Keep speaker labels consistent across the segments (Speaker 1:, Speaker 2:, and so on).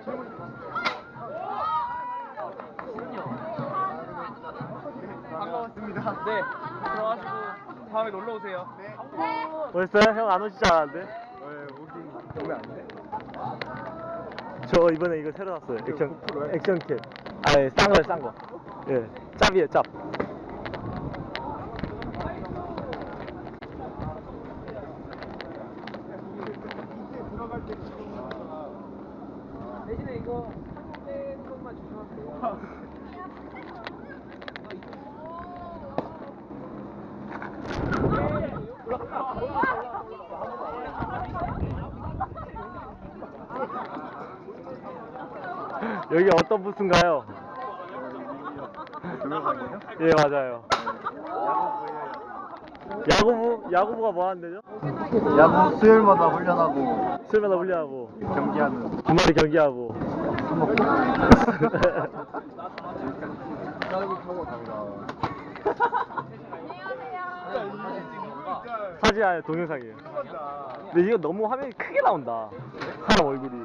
Speaker 1: 반가웠습니다. 네, 들어가시고 다음에 놀러 오세요. 네.
Speaker 2: 벌써요? 형 안 오시지 않았는데?
Speaker 1: 왜 오긴 오면 안 돼?
Speaker 2: 저 이번에 이거 새로 샀어요. 액션캡. 아예 싼 거예요, 싼 거. 예, 짭이에요, 짭.
Speaker 1: 대신에 이거 한국된 것만 주시면 돼요.
Speaker 2: 여기 어떤 부스인가요?
Speaker 1: 동영상이에요?
Speaker 2: 예, 맞아요. 야구부가 뭐 하는데요?
Speaker 3: 야구 수요일마다 훈련하고
Speaker 2: 수요일마다 훈련하고
Speaker 3: 경기하는
Speaker 2: 주말에 경기하고.
Speaker 3: 술 먹고
Speaker 2: 사진 아니에요, 동영상이에요. 근데 이거 너무 화면이 크게 나온다. 사람 얼굴이.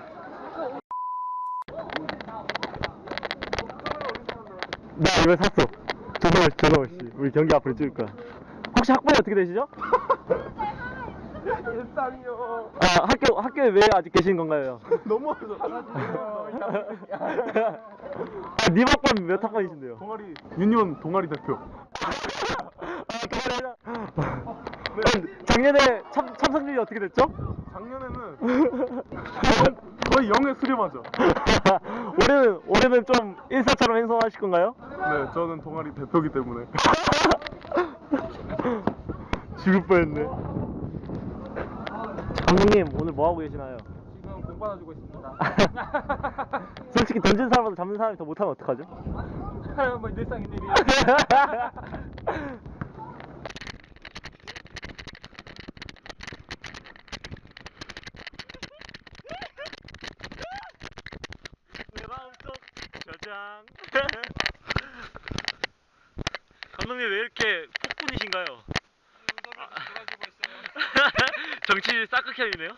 Speaker 2: 나 이거 샀어. 조성월 씨. 우리 경기 앞으로 찍을 거야. 혹시 학번이 어떻게 되시죠?
Speaker 1: 일상이요.
Speaker 2: 아, 학교에 왜 아직 계신 건가요?
Speaker 1: 넘어서
Speaker 2: 아, 님 학번 몇 학번이신데요?
Speaker 1: 동아리 유니온 동아리 대표.
Speaker 2: 아, 동아리 작년에 참석률이 어떻게 됐죠?
Speaker 1: 작년에는 거의 0에 수렴하죠.
Speaker 2: 올해는 좀 인사처럼 행동하실 건가요?
Speaker 1: 네, 저는 동아리 대표기 때문에.
Speaker 2: 죽을 뻔했네. 감독님, 오늘 뭐 하고 계시나요?
Speaker 1: 지금 공 받아주고 있습니다.
Speaker 2: 솔직히 던진 사람보다 잡는 사람이 더 못하면 어떡하죠?
Speaker 1: 뭐 일상인 일이야.
Speaker 2: 내 마음속 저장. 감독님 왜 이렇게 폭군이신가요? 정치 사크캠이네요.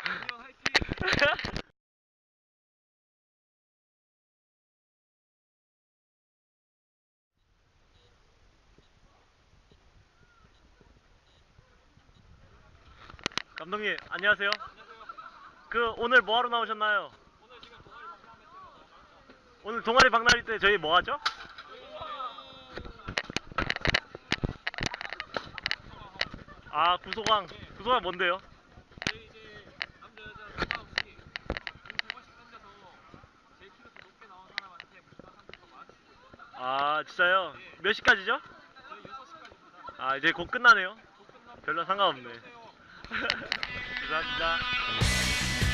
Speaker 2: 감독님 안녕하세요. 오늘 뭐하러 나오셨나요? 오늘 동아리 박람회 때 저희 뭐 하죠? 아, 구소강 뭔데요?
Speaker 4: 저희 이제 남자 여자 상관없이 공 100원씩 던져서 제일 키로수 높게 나온 사람한테 문화 상품권 만원씩 주고 있습니다.
Speaker 2: 아, 진짜요? 몇 시까지죠?
Speaker 4: 저희 6시까지입니다.
Speaker 2: 아, 이제 곧 끝나네요.
Speaker 4: 곧 끝나면
Speaker 2: 별로 상관없네.
Speaker 4: 오세요.
Speaker 2: 감사합니다.